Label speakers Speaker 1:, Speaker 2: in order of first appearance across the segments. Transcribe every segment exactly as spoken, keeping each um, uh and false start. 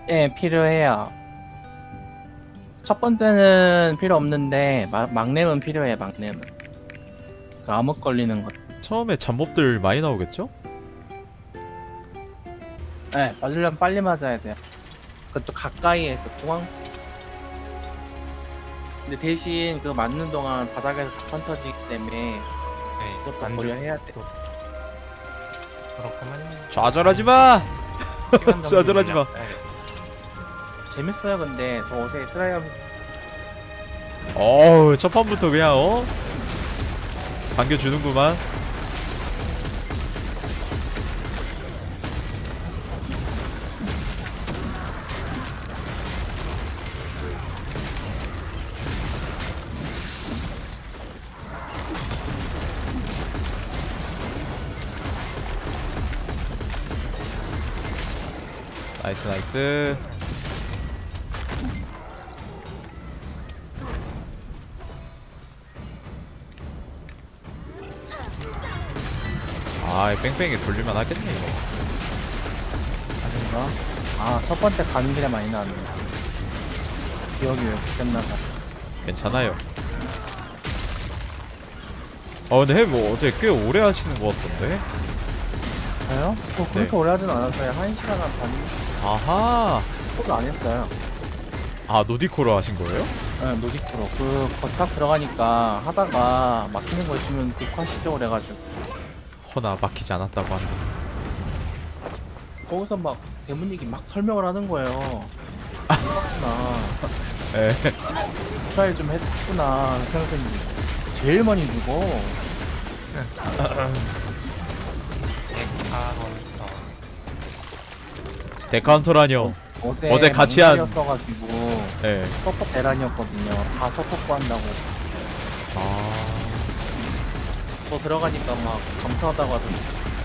Speaker 1: 예, 필요해요. 첫 번째는 필요 없는데 마, 막내는 필요해. 막내는 그 암흑 걸리는 것.
Speaker 2: 처음에 잡몹들 많이 나오겠죠?
Speaker 1: 예, 맞으려면 빨리 맞아야 돼요. 그것도 가까이에서 중앙. 근데 대신 그 맞는 동안 바닥에서 자판 터지기 때문에
Speaker 3: 네,
Speaker 1: 그것도
Speaker 3: 안
Speaker 1: 고려해야 돼.
Speaker 3: 또 그렇구만.
Speaker 2: 좌절하지마!
Speaker 3: 시간 정지
Speaker 2: 좌절하지 마.
Speaker 3: 물약 써야겠다.
Speaker 1: 재밌어요. 근데 저 어제 트라이얼
Speaker 2: 어우 첫 판부터 그냥 어? 반겨주는구만. 나이스 나이스. 아이 뺑뺑이 돌릴만 하겠네 이거.
Speaker 1: 아닌가? 아, 첫 번째 가는 길에 많이 나왔네. 기억이 왜 바뀌었나봐.
Speaker 2: 괜찮아요. 어 근데 뭐 어제 꽤 오래 하시는 것 같던데?
Speaker 1: 저요? 저 그렇게
Speaker 2: 네.
Speaker 1: 오래 하진 않았어요. 한 시간 한 반,
Speaker 2: 아하.
Speaker 1: 코를 안 했어요.
Speaker 2: 아 노디코로 하신 거예요?
Speaker 1: 네, 노디프로. 그, 거탁 들어가니까 하다가 막히는 거 있으면 녹화시켜 그래가지고.
Speaker 2: 허나 막히지 않았다고 하는데.
Speaker 1: 거기서 막 대문얘기 막 설명을 하는 거예요. 그렇구나.
Speaker 2: 에.
Speaker 1: 트라이 좀 했구나. 생각했는데. 제일 많이 죽어.
Speaker 3: 데카헌터.
Speaker 2: 데카운터라뇨.
Speaker 1: 어제,
Speaker 2: 어제 같이 한-
Speaker 1: 망설였어가지고
Speaker 2: 예.
Speaker 1: 서포 대란이었거든요. 다 서포트 한다고.
Speaker 2: 아.
Speaker 1: 또 들어가니까 막 감사하다고 하던데.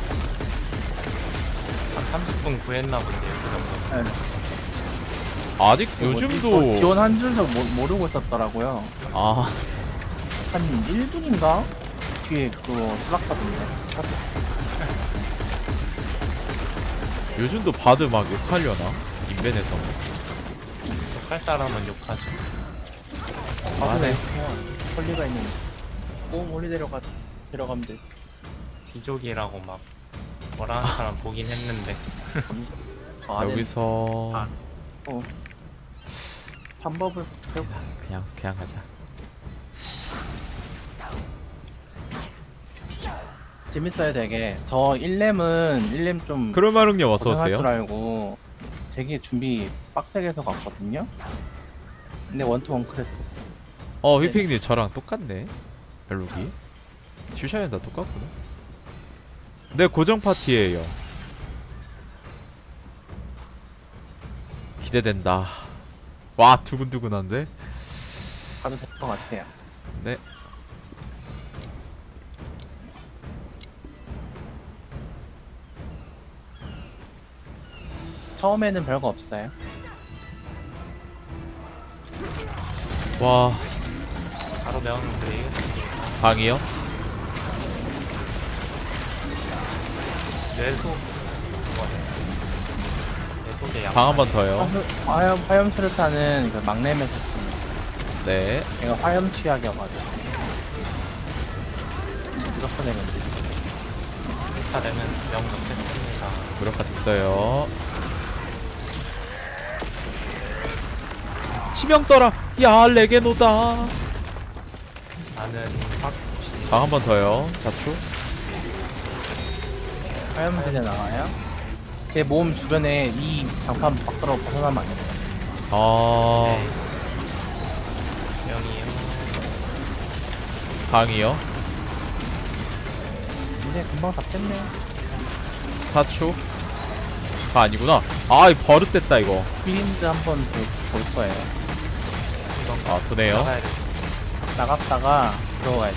Speaker 3: 한 삼십 분 구했나 본데요, 그 정도.
Speaker 1: 네.
Speaker 2: 아직
Speaker 1: 그 뭐지?
Speaker 2: 요즘도
Speaker 1: 저 지원 한 줄도 모, 모르고 있었더라고요.
Speaker 2: 아
Speaker 1: 한 일 분인가? 뒤에 그거 슬락하던데.
Speaker 2: 요즘도 바드 막 욕하려나? 인벤에서.
Speaker 3: 욕할 사람은 욕하죠.
Speaker 1: 아,
Speaker 2: 네.
Speaker 1: 네. 헐리가 있는. 꼭 멀리 데려가, 데려가면 돼.
Speaker 3: 귀족이라고 막 뭐라 하는 사람 보긴 했는데.
Speaker 1: 저 안에
Speaker 2: 여기서
Speaker 3: 아.
Speaker 1: 어. 방법을 배우.
Speaker 2: 그냥 그냥 가자.
Speaker 1: 재밌어요, 되게. 저 일 렘은 일 렘 좀
Speaker 2: 크로마릉님 어서
Speaker 1: 고생할 줄
Speaker 2: 오세요.
Speaker 1: 알고 되게 준비 빡세게 해서 갔거든요. 근데 원투원 크레스.
Speaker 2: 어 휘핑님 저랑 똑같네. 벨록이. 슈샤는 다 똑같구나. 내 고정 파티예요. 기대된다. 와 두근두근한데.
Speaker 1: 가도 될 것 같아요.
Speaker 2: 네.
Speaker 1: 처음에는 별거 없어요.
Speaker 2: 와
Speaker 3: 바로 배우는 그래요.
Speaker 2: 방이요?
Speaker 3: 뇌소 그거네. 뇌소계 약.
Speaker 2: 방 한 번 더요.
Speaker 1: 화염, 화염 수류탄은 그 막내면서 씁니다.
Speaker 2: 네.
Speaker 1: 얘가 화염 취약이어가지고. 무조건 내면 돼.
Speaker 3: 차 되면 명 넣겠습니다.
Speaker 2: 무력화 됐어요. 치명 떠라. 야 레게노다.
Speaker 3: 나는 확지.
Speaker 2: 방 한 번 더요. 사 초.
Speaker 1: 화염 세대 나와요. 제 몸 주변에 이 장판 밖으로 벗어나면 안 돼요.
Speaker 2: 아
Speaker 3: 네. 명이요.
Speaker 2: 방이요.
Speaker 1: 근데 금방 잡겠네.
Speaker 2: 사 초. 아 아니구나. 아이 버릇됐다 이거.
Speaker 1: 휘린드 한번 볼 거예요.
Speaker 3: 이건
Speaker 2: 아 도네요.
Speaker 3: 나가야 돼.
Speaker 1: 나갔다가 들어가야 돼.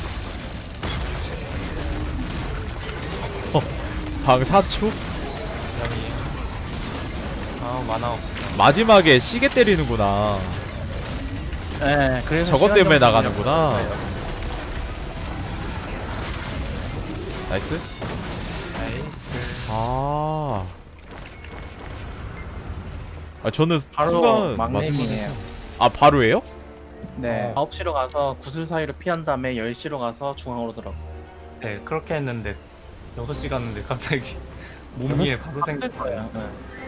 Speaker 2: 방 사 초.
Speaker 3: 명이요. 아 만화 없어.
Speaker 2: 마지막에 시계 때리는구나.
Speaker 1: 네, 그래서
Speaker 2: 저것
Speaker 1: 시간
Speaker 2: 때문에
Speaker 1: 정도
Speaker 2: 나가는구나.
Speaker 1: 걸려요.
Speaker 2: 나이스.
Speaker 3: 나이스.
Speaker 2: 아 아 저는
Speaker 1: 바로
Speaker 2: 순간
Speaker 1: 막내미네요.
Speaker 2: 맞을만 아 바로예요?
Speaker 1: 네.
Speaker 3: 어.
Speaker 1: 아홉 시로 가서 구슬 사이로 피한 다음에 열 시로 가서 중앙으로 들어가.
Speaker 3: 네 그렇게 했는데 여섯 시 갔는데 갑자기 몸 위에 바로
Speaker 1: 생
Speaker 3: 생겼
Speaker 1: 거예요. 네.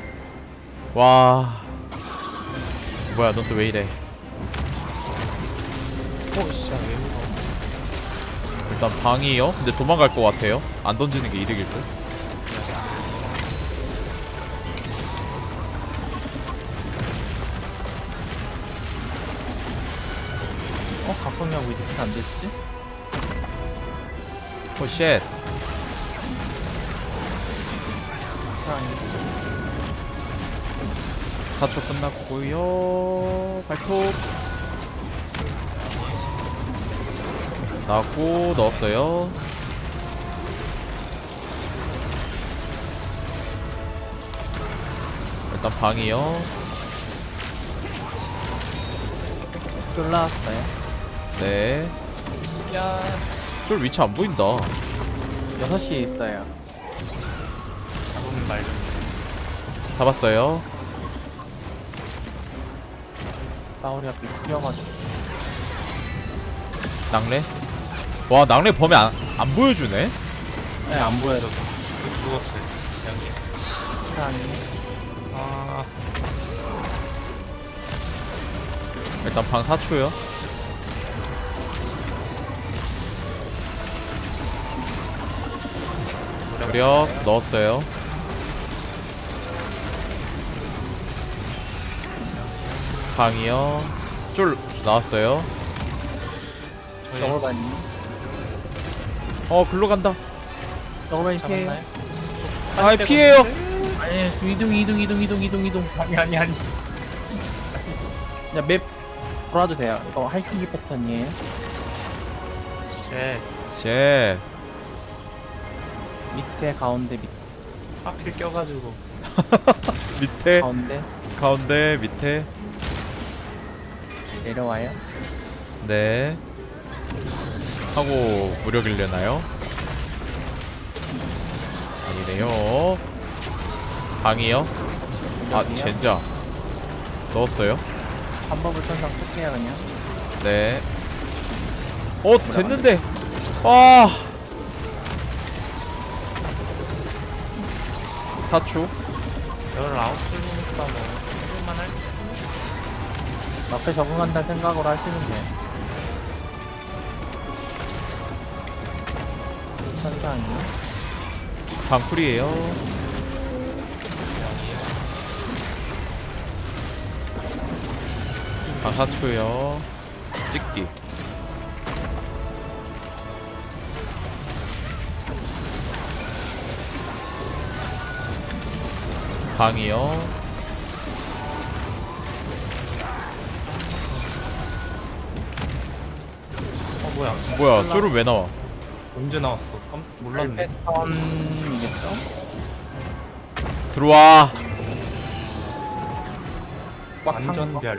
Speaker 2: 와 뭐야 넌 또 왜 이래.
Speaker 3: 오씨 왜 이거
Speaker 2: 일단 방이요? 근데 도망갈 것 같아요. 안 던지는 게 이득일 듯.
Speaker 1: 어 각성력 왜 이렇게 안 됐지?
Speaker 2: 오 쉣.
Speaker 1: 아니.
Speaker 2: 사 초 끝났고요. 발톱 나왔고 넣었어요. 일단 방이요.
Speaker 1: 쫄 나왔어요.
Speaker 2: 네.
Speaker 3: 야
Speaker 2: 쫄 위치 안 보인다.
Speaker 1: 여섯 시에 있어요.
Speaker 3: 잡으면 말좀
Speaker 2: 잡았어요.
Speaker 1: 싸우리 앞에 풀려가지고.
Speaker 2: 낙뢰. 와 낙뢰 범위 안, 안 보여주네.
Speaker 1: 네, 안 보여요.
Speaker 3: 죽었어요 여기
Speaker 1: 아니.
Speaker 3: 아
Speaker 2: 일단 방 사 초요. 무력 넣었어요. 방이요. 쫄 나왔어요.
Speaker 1: 저걸반이.
Speaker 2: 어 글로 간다.
Speaker 1: 저걸반이 피해.
Speaker 3: 잡았나요?
Speaker 2: 아 피해요.
Speaker 1: 아니 이동 이동 이동 이동 이동 이동.
Speaker 3: 아니 아니 아니
Speaker 1: 그냥 맵 돌아도 돼요. 이거 하이킹기 패턴이에요.
Speaker 3: 쉣
Speaker 2: 쉣.
Speaker 1: 밑에 가운데 밑
Speaker 3: 하필 껴가지고
Speaker 2: 밑에
Speaker 1: 가운데
Speaker 2: 가운데 밑에.
Speaker 1: 내려와요.
Speaker 2: 네. 하고 무력일려나요? 아니네요. 방이요. 아
Speaker 1: 여기요.
Speaker 2: 젠장. 넣었어요.
Speaker 1: 한법을 천상 쓸게요 그냥.
Speaker 2: 네. 어 됐는데. 아. 사 초.
Speaker 3: 열아홉 시니까 뭐 해볼만 할
Speaker 1: 앞에 적응한다는 생각으로 하시면 돼. 천상이요.
Speaker 2: 방풀이에요. 방 사 초요. 찍기. 방이요.
Speaker 3: 어 뭐야
Speaker 2: 뭐야 쫄은 왜 나와?
Speaker 3: 언제 나왔어 깜 몰랐네
Speaker 1: 패턴이겠죠?
Speaker 2: 들어와.
Speaker 1: 꽉 찬 거.
Speaker 3: 완전별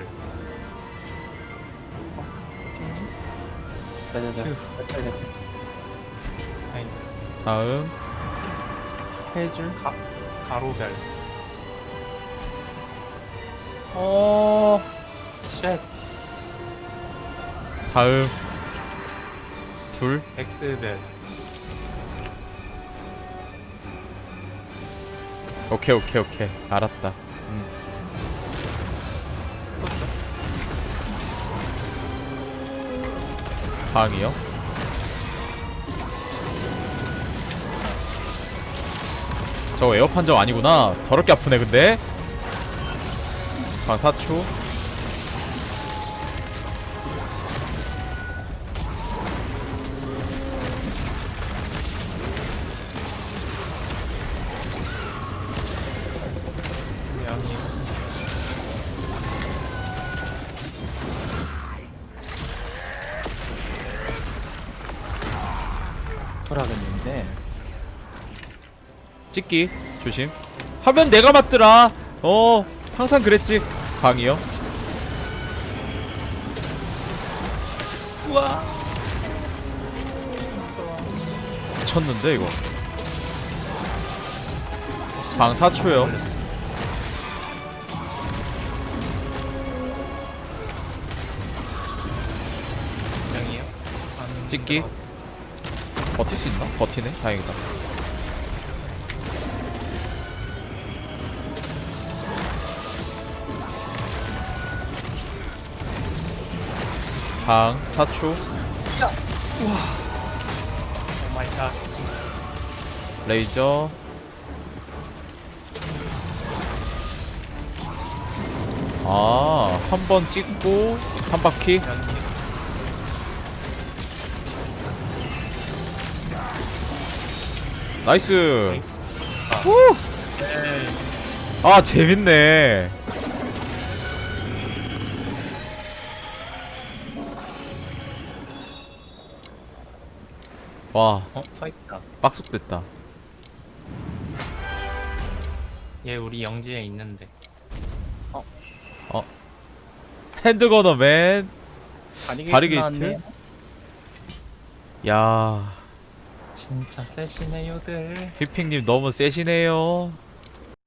Speaker 1: 네네네.
Speaker 3: 휴.
Speaker 1: 됐어요, 됐어요.
Speaker 3: 아니
Speaker 2: 다음.
Speaker 1: 세 줄.
Speaker 3: 가 가로별
Speaker 1: 어.
Speaker 3: 쉣
Speaker 2: 다음. 둘.
Speaker 3: 엑스별
Speaker 2: 오케이 오케이 오케이 알았다. 음. 방이요. 저거 에어 판정 아니구나. 더럽게 아프네 근데. 방 사 초.
Speaker 3: 양이
Speaker 1: 돌아갔는데.
Speaker 2: 찍기 조심. 하면 내가 맞더라. 어 항상 그랬지. 방이요.
Speaker 3: 우와
Speaker 2: 미쳤는데 이거. 방 사 초요. 찍기. 버틸 수 있나? 버티네. 다행이다. 방 사 초.
Speaker 3: 오 마이 갓.
Speaker 2: 레이저. 아, 한 번 찍고 한 바퀴.
Speaker 3: 연기.
Speaker 2: 나이스.
Speaker 3: 에이.
Speaker 2: 아, 재밌네. 와,
Speaker 3: 어? 서있다.
Speaker 2: 빡속됐다.
Speaker 3: 얘 우리 영지에 있는데.
Speaker 2: 핸드건어 맨.
Speaker 1: 바리게이트,
Speaker 2: 바리게이트?
Speaker 1: 나왔네.
Speaker 2: 야,
Speaker 3: 진짜 세시네요들.
Speaker 2: 휘핑님 너무 세시네요.